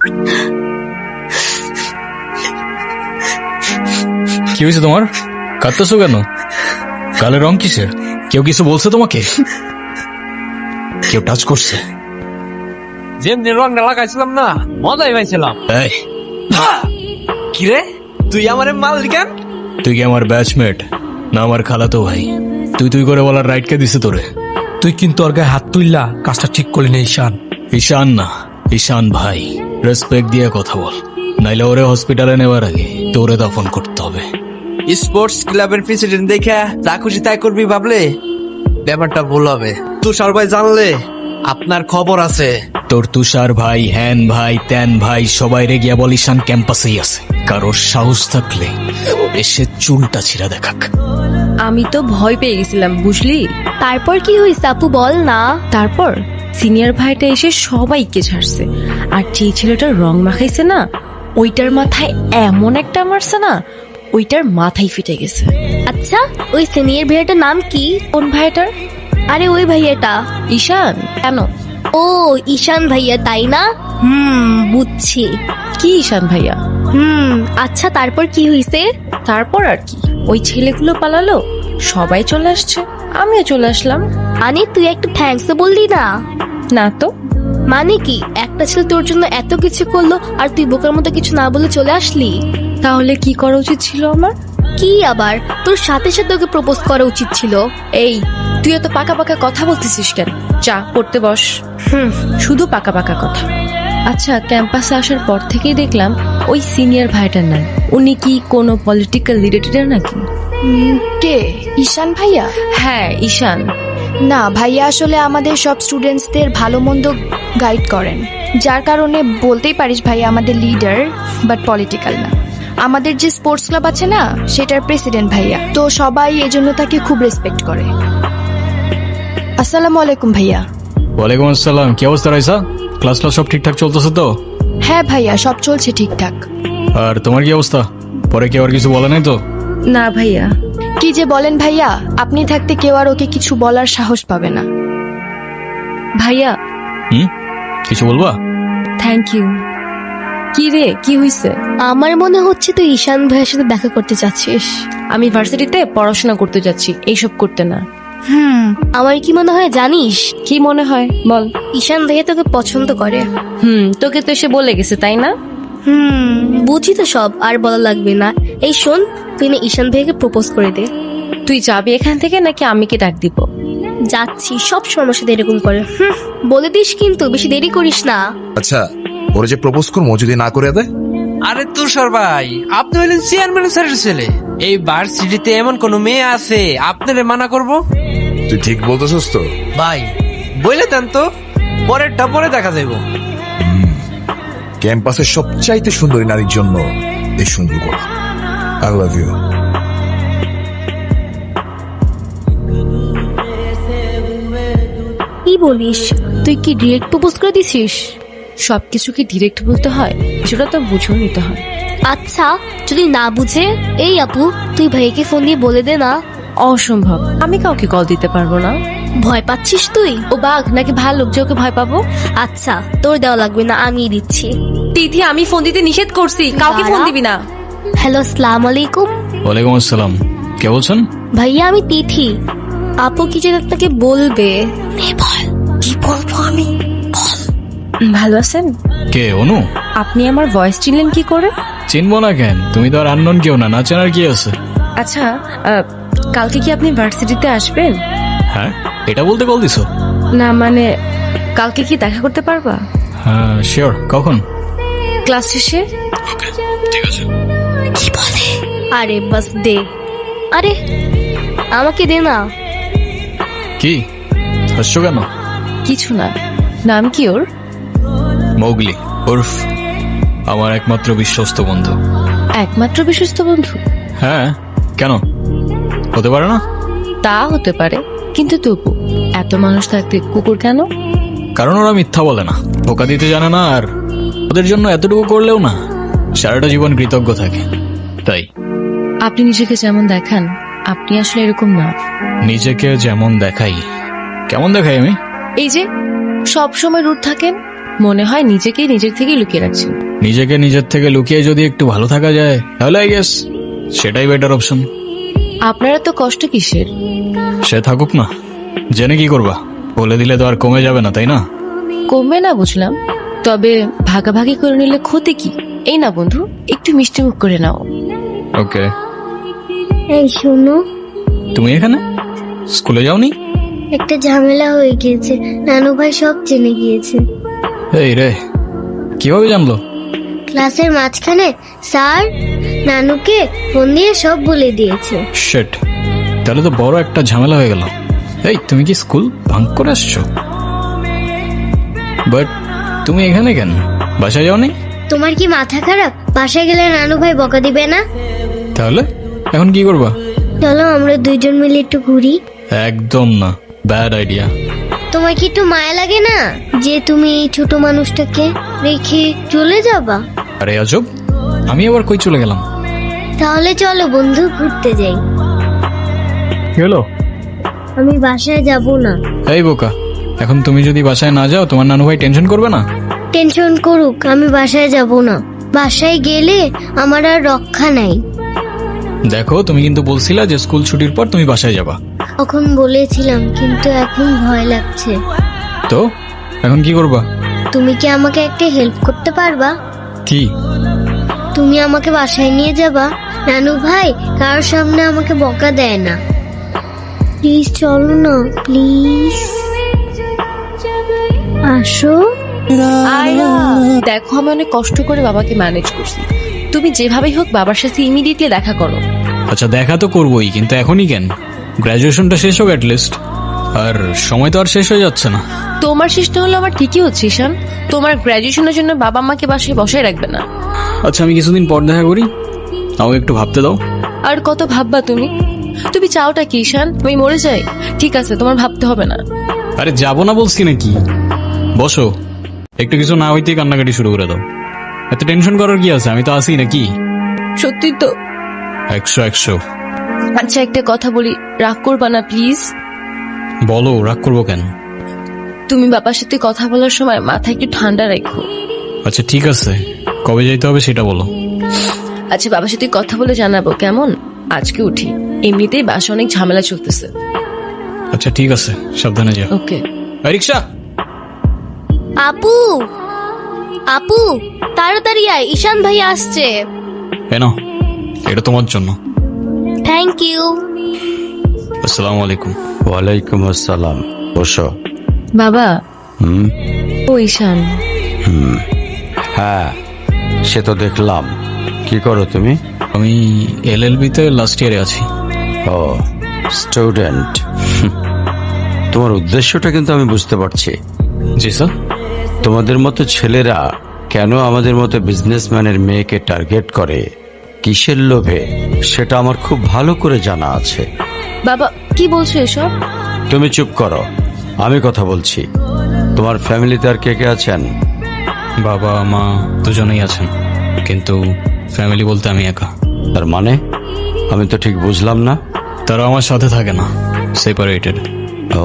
কি হয়েছে তোমার? কাঁদতেছো কেন? গালের রং কিসের? কেউ কিছু বলছে তোমাকে? কেউ টাচ করছে? যেমনি রংটা লাগাইছিলাম না, মজাই পাইছিলাম। এই, কিরে তুই আমার মালিক কেন? তুই কি আমার ব্যাচমেট না আমার খালাতো ভাই? তুই করে বলার রাইট কে দিছে তোরে? তুই কিন্তু ওর গায়ে হাত তুললা, কাজটা ঠিক করলি না ঈশান। ঈশান না, ঈশান ভাই। রেসপেক্ট দিয়ে কথা বল, নাইলে ওরে হসপিটালে নেওয়ার আগে তোরে দাফন করতে হবে। স্পোর্টস ক্লাবের প্রেসিডেন্ট দেখে যা খুশি তাই করবি ভাবলে ব্যাপারটা ভুল হবে। তুষার ভাই জানলে আপনার খবর আছে। তোর তুষার ভাই, হ্যান ভাই, ত্যান ভাই সবাই রে গিয়া বল ঈশান ক্যাম্পাসেই আছে। কারোর সাহস থাকলে এসে চুলটা ছিঁড়া দেখাক। আমি তো ভয় পেয়ে গেছিলাম, বুঝলি? তারপর কি হয়েছে আপু, বল না। তারপর সিনিয়র ভাইটা এসে সবাইকে ছাড়ছে, আর যে ছেলেটার রং মাখাইছে না, ওইটার মাথায় এমন একটা মারছে না, ওইটার মাথায় ফেটে গেছে। আচ্ছা, ওই সিনিয়র ভাইয়াটার নাম কি? কোন ভাইটার? আরে ওই ভাইয়াটা। ঈশান। কেন? ও ঈশান ভাইয়া, তাই না? বুঝছি। কি ঈশান ভাইয়া? আচ্ছা তারপর কি হয়েছে? তারপর আর কি, ওই ছেলেগুলো পালালো, সবাই চলে আসছে, আমিও চলে আসলাম। মানে তুই একটা থ্যাঙ্কস বললি না? না তো। মানে কি, একটা ছেলে তোর জন্য এত কিছু করলো আর তুই বোকার মতো কিছু না বলে চলে আসলি? তাহলে কি করা উচিত ছিল আমার? কি আবার, তোর সাথে সাথে ওকে প্রপোজ করা উচিত ছিল। এই, তুই এত পাকা পাকা কথা বলতেছিস কেন? চা পড়তে বস। শুধু পাকা পাকা কথা। আচ্ছা, ক্যাম্পাসে আসার পর থেকেই দেখলাম ওই সিনিয়র ভাইটার নাম। উনি কি কোনো পলিটিক্যাল রিলেটেড নাকি? কে? ঈশান ভাইয়া? হ্যাঁ, ঈশান। না ভাইয়া, আসলে আমাদের সব স্টুডেন্টসদের ভালো মন্দ গাইড করেন, যার কারণে বলতেই পারিস ভাইয়া আমাদের লিডার, বাট পলিটিক্যাল না। আমাদের যে স্পোর্টস ক্লাব আছে না, সেটার প্রেসিডেন্ট ভাইয়া, তো সবাই এজন্য তাকে খুব রেসপেক্ট করে। আসসালামু আলাইকুম ভাইয়া। ওয়ালাইকুম আসসালাম। কি অবস্থা রাইসা? ক্লাস সব ঠিকঠাক চলতেছে তো? হ্যাঁ ভাইয়া, সব চলছে ঠিকঠাক। আর তোমার কি অবস্থা? পরে কেউ আর কিছু বলে নাই তো? না ভাইয়া। কি যে বলেন ভাইয়া, আপনি থাকতে কেউ আর ওকে কিছু বলার সাহস পাবে না। ভাইয়া। কিছু বলবা? Thank you. কি রে, কি হইছে? আমার মনে হচ্ছে তুই ঈশান ভাইয়ের সাথে দেখা করতে চাচ্ছিস। আমি ভার্সিটিতে পড়াশোনা করতে যাচ্ছি, এইসব করতে না। আমার কি মনে হয় জানিস? কি মনে হয় বল। ঈশান ভাইয়া তোকে পছন্দ করে। তোকে তো এসে বলে গেছে, তাই না? বুঝি তো সব, আর বলা লাগবে না। এই শোন, তুই না ঈশান ভাইয়াকে প্রপোজ করে দে। তুই যাবি এখান থেকে নাকি আমি কি ডাক দিব? যাচ্ছি, সব সময় সাথে এরকম করে। বলে দিস কিন্তু, বেশি দেরি করিস না। আচ্ছা, ওরা যে প্রপোজ করবো যদি না করে দেয়? আরে তুষার ভাই, আপনি হইলেন চেয়ারম্যান স্যারের ছেলে। এই ভার্সিটিতে এমন কোন মেয়ে আছে আপনারে মানা করব? তুই ঠিক বলতেছস তো ভাই, বলে দেন তো, পরেরটা পরে দেখা যাইব। ক্যাম্পাসের সবচাইতে সুন্দরী নারীর জন্য এই সুন্দর করা। I love you. কি বলিস? তুই কি ডিরেক্ট প্রপোজ করে দিছিস? সবকিছু কি ডিরেক্ট বলতে হয়? কিছুটা তো বুঝেও নিতে হয়। আচ্ছা, যদি না বুঝে, এই আপু তুই ভাইকে ফোন দিয়ে বলে দে না। অসম্ভব, আমি কাউকে কল দিতে পারবো না। ভয় পাচ্ছিস তুই? ও বাঘ নাকি ভালুক যে ওকে ভয় পাবো? আচ্ছা, তোর দেওয়া লাগবে না, আমি দিচ্ছি। তিথি, আমি ফোন দিতে নিষেধ করছি, কাউকে ফোন দিবি না। হ্যালো, আসসালামু আলাইকুম। ওয়ালাইকুম আসসালাম। কে বলছেন? ভাইয়া, আমি তিথি। আপু কি যে আপনাকে বলবে। বল, কি বলবো আমি? বল। ভালো আছেন? কে? অনু? আপনি আমার ভয়েস চিনলেন কি করে? চিনবো না কেন? তুমি তো আর আননোন কেউ না, না চেনার কি আছে? আচ্ছা, কালকে কি আপনি ভার্সিটিতে আসবেন? হ্যাঁ, এটা বলতে কল দিছো? না মানে, কালকে কি দেখা করতে পারবা? হ্যাঁ শিওর। কখন? ক্লাস শেষে। ওকে, ঠিক আছে। কি বলে? আরে বাস দে। আরে আমাকে দে না। কি হাসছো কেন? কিছু না। নাম কি ওর? মৌগলি, উর্ফ আমার একমাত্র বিশ্বস্ত বন্ধু। একমাত্র বিশ্বস্ত বন্ধু? হ্যাঁ, কেন হতে পারে না? তা হতে পারে, কিন্তু তবু এত মানুষ থাকতে কুকুর কেন? কারণ ওরা মিথ্যা বলে না, ধোকা দিতে জানে না, আর ওদের জন্য এতটুকু করলেও না সারাটা জীবন কৃতজ্ঞ থাকে, তাই। আপনি নিজেকে যেমন দেখান, আপনি আসলে এরকম না। নিজেকে যেমন দেখাই? কেমন দেখাই আমি? এই যে সব সময় রুট থাকেন, মনে হয় নিজেকেই নিজের থেকে লুকিয়ে রাখছেন। নিজেকে নিজের থেকে লুকিয়ে যদি একটু ভালো থাকা যায় তাহলে আই গেস সেটাই বেটার অপশন। আপনারা তো কষ্ট কিসের? সে থাকুক না, জেনে কি করবা? বলে দিলে তো আর কমে যাবে না, তাই না? কমবে না বুঝলাম, তবে ভাগাভাগি করে নিলে ক্ষতি কি? এই না বন্ধু, একটু মিষ্টি মুখ করে নাও। ওকে। এই শোনো, তুমি এখানে স্কুলে যাওনি? একটা ঝামেলা হয়ে গিয়েছে, নানু ভাই সব জেনে গিয়েছে। এই রে, কিভাবে জানলো? ক্লাসের মাঝখানে স্যার নানুকে ফোন দিয়ে সব বলে দিয়েছে। শিট, তাহলে তো বড় একটা ঝামেলা হয়ে গেল। এই তুমি কি স্কুল ভাঙ করে আসছো? বাট তুমি এখানে কেন? বাসায় যাওনি? তোমার কি মাথা খারাপ? বাসায় গেলে নানু ভাই বকা দিবে না? তাহলে এখন কি করবা? চলো আমরা দুইজন মিলে একটু ঘুরি। একদম না, ব্যাড আইডিয়া। তোমার কি একটু মায়া লাগে না যে তুমি এই ছোট মানুষটাকে রেখে চলে যাবা? আরে আজব, আমি আবার কই চলে গেলাম? তাহলে চলো বন্ধু ঘুরতে যাই। কি হলো? আমি বাসায় যাব না। এই বোকা, এখন তুমি যদি বাসায় না যাও তোমার নানু ভাই টেনশন করবে না? টেনশন করুক, আমি বাসায় যাব না। বাসায় গেলে আমার আর রক্ষা নাই। দেখো, তুমি কিন্তু বলছিলা যে স্কুল ছুটির পর তুমি বাসায় যাবা। তখন বলেছিলাম, কিন্তু এখন ভয় লাগছে। তো এখন কি করবা? তুমি কি আমাকে একটা হেল্প করতে পারবা? কি? তুমি আমাকে বাসায় নিয়ে যাবা? নানু ভাই কারোর সামনে আমাকে বকা দেয় না। প্লিজ চলো না, প্লিজ আসো। আয়রা, দেখো আমি অনেক কষ্ট করে বাবাকে ম্যানেজ করছি, তুমি যেভাবেই হোক বাবার সাথে ইমিডিয়েটলি দেখা করো। আচ্ছা দেখা তো করবোই, কিন্তু এখনই কেন? গ্রাজুয়েশনটা শেষ হোক অ্যাটলিস্ট। আর সময় তো আর শেষ হয়ে যাচ্ছে না। তোমার চেষ্টা হলো আমার ঠিকই হচ্ছে ঈশান, তোমার গ্র্যাজুয়েশনের জন্য বাবা মাকে বাসায় বসায় রাখবে না। আচ্ছা আমি কিছুদিন পর দেখা করি, আমাকে একটু ভাবতে দাও। আর কত ভাববা তুমি? তুমি চাওটা কি ঈশান? আমি মরে যাই? ঠিক আছে, তোমার ভাবতে হবে না। আরে যাবো না বলছি নাকি? বসো, একটু কিছু না হইতেই কান্নাকাটি শুরু করে দাও। এত টেনশন করার কি আছে? আমি তো আসি নাকি? সত্যি তো? 100। আচ্ছা একটা কথা বলি, রাগ করবা না প্লিজ? বলো, রাগ করবো কেন? তুমি বাবার সাথে কথা বলার সময় মাথা একটু ঠান্ডা রাখো। আচ্ছা ঠিক আছে, কবে যাইতে হবে সেটা বলো। আচ্ছা বাবার সাথে কথা বলে জানাবো, কেমন? আজকে উঠি, এমনিতেই বাসা অনেক ঝামেলা চলতেছে। আচ্ছা ঠিক আছে, সাবধানে যাও। ওকে। রিক্সা। আপু, আপু তাড়াতাড়ি আয়, ঈশান ভাই আসছে। নাও, এটা তোমার জন্য। Thank you. আসসালামু আলাইকুম। ওয়ালাইকুম আসসালাম। বসো। বাবা। হুম। ও ঈশান। হ্যাঁ, সে তো দেখলাম। কি করো তুমি? আমি LLB তে লাস্ট ইয়ারে আছি। ও, স্টুডেন্ট। তোমার উদ্দেশ্যটা কিন্তু আমি বুঝতে পারছি। জি স্যার। তোমাদের মতো ছেলেরা কেন আমাদের মতো বিজনেসম্যানের মেয়েকে টার্গেট করে, কিসের লোভে, সেটা আমার খুব ভালো করে জানা আছে। বাবা কি বলছো এসব? তুমি চুপ করো, আমি কথা বলছি। তোমার ফ্যামিলিতে আর কে কে আছেন? বাবা মা দুজনেই আছেন, কিন্তু ফ্যামিলি বলতে আমি একা। তার মানে আমি তো ঠিক বুঝলাম না। তারা আমার সাথে থাকে না, সেপারেটেড। ও,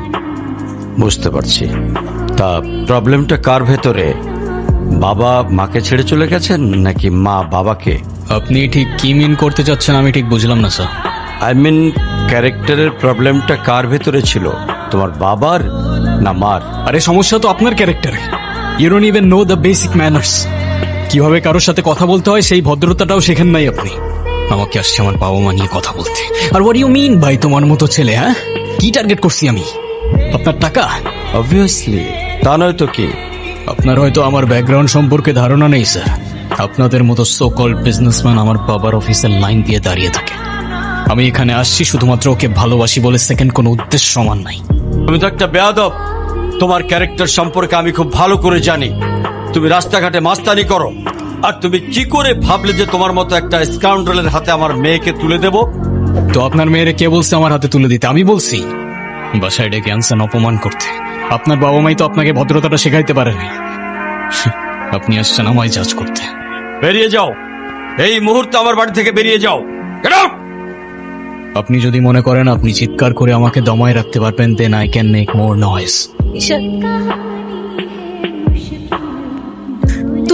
বুঝতে পারছি। তা প্রবলেমটা কার ভেতরে? বাবা মাকে ছেড়ে চলে গেছেন নাকি মা বাবাকে? আপনি ঠিক কি মিন করতে চাচ্ছেন আমি ঠিক বুঝলাম না স্যার। আই মিন ক্যারেক্টারের প্রবলেমটা কার ভেতরে ছিল, তোমার বাবার না মার? আরে সমস্যা তো আপনার ক্যারেক্টারে। You don't even know the basic manners. কিভাবে কারোর সাথে কথা বলতে হয় সেই ভদ্রতাটাও শেখেন নাই আপনি। আমাকে আসছে আমার বাবা মা নিয়ে কথা বলতে। আর হোয়াট ইউ মিন ভাই তোমার মতো ছেলে? হ্যাঁ, কি টার্গেট করছি আমি? আপনার টাকা? অবভিয়াসলি, তা নয় তো কি? আপনার হয়তো আমার ব্যাকগ্রাউন্ড সম্পর্কে ধারণা নেই স্যার। আপনাদের মতো সো কল্ড বিজনেসম্যান আমার বাবার অফিসের লাইন দিয়ে দাঁড়িয়ে থাকে। আমি এখানে আসছি শুধুমাত্র ওকে ভালোবাসি বলে, সেকেন্ড কোনো উদ্দেশ্য সমান নাই। তুমি তো একটা বেয়াদব। তোমার ক্যারেক্টার সম্পর্কে আমি খুব ভালো করে জানি। তুমি রাস্তাঘাটে মাস্তানি করো, আর তুমি কি করে ভাবলে যে তোমার মতো একটা স্কাউন্ডারের হাতে আমার মেয়েকে তুলে দেব? তো আপনার মেয়েরে কে বলছে আমার হাতে তুলে দিতে? আমি বলছি? বাসায় ডেকে আনছেন অপমান করতে। আপনার বাবা মাই তো আপনাকে ভদ্রতাটা শেখাইতে পারেনি। আপনি আসছেন আমায় জাজ করতে। বেরিয়ে যাও, এই মুহূর্তে আমার বাড়ি থেকে বেরিয়ে যাও। Get out! আপনি যদি মনে করেন আপনি চিৎকার করে আমাকে দমায় রাখতে পারবেন, then I can make more noise. Ishan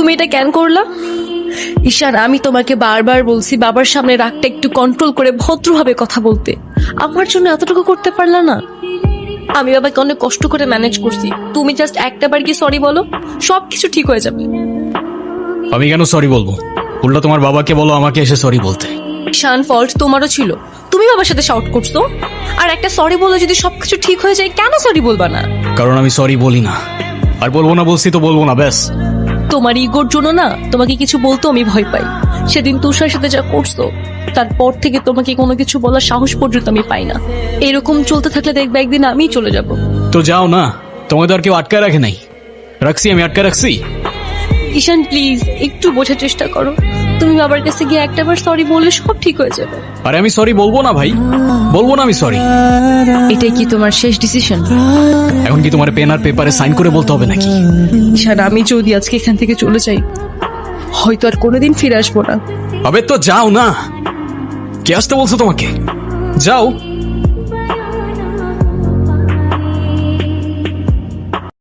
তুমি এটা কেন করলা? ঈশান, আমি তোমাকে বারবার বলছি বাবার সামনে রাগটা একটু কন্ট্রোল করে ভদ্রভাবে কথা বলতে। আমার জন্য এতটুকু করতে পারলা না? আমি বাবাকে অনেক কষ্ট করে ম্যানেজ করছি। তুমি জাস্ট একটাবার কি সরি বলো, সবকিছু ঠিক হয়ে যাবে। আমি কেন সরি বলবো? উল্টা তোমার বাবাকে বলো আমাকে এসে সরি বলতে। ঈশান, ফল্ট তোমারও ছিল, তুমি বাবার সাথে শাউট করছো। আর একটা সরি বলে যদি সবকিছু ঠিক হয়ে যায়, কেন সরি বলবা না? কারণ আমি সরি বলি না, আর বলবো না, বলছি তো বলবো না, ব্যাস। তোমার ইগোর জন্য না তোমাকে কিছু বলতে আমি ভয় পাই। সেদিন তুষার সাথে যা করছো, তারপর থেকে তোমাকে কোনো কিছু বলার সাহস পর্যন্ত আমি পাই না। এরকম চলতে থাকলে দেখবে একদিন আমিই চলে যাব। তো যাও না, তোমাদের আর কেউ আটকায় রাখে নাই। রাখছি, আমি আটকায় রাখছি। ঈশান প্লিজ একটু বোঝার চেষ্টা করো। তুমি বাবার কাছে গিয়ে একটাবার সরি বললে সব ঠিক হয়ে যাবে। আরে আমি সরি বলবো না ভাই, বলবো না আমি সরি। এটাই কি তোমার শেষ ডিসিশন? এখন কি তোমার পেন আর পেপারে সাইন করে বলতে হবে নাকি? ঈশান, আমি যদি আজকে এখান থেকে চলে যাই, হয়তো আর কোনোদিন ফিরে আসবো না। আবে তো যাও না, কে আসতে বলছো তোমাকে? যাও।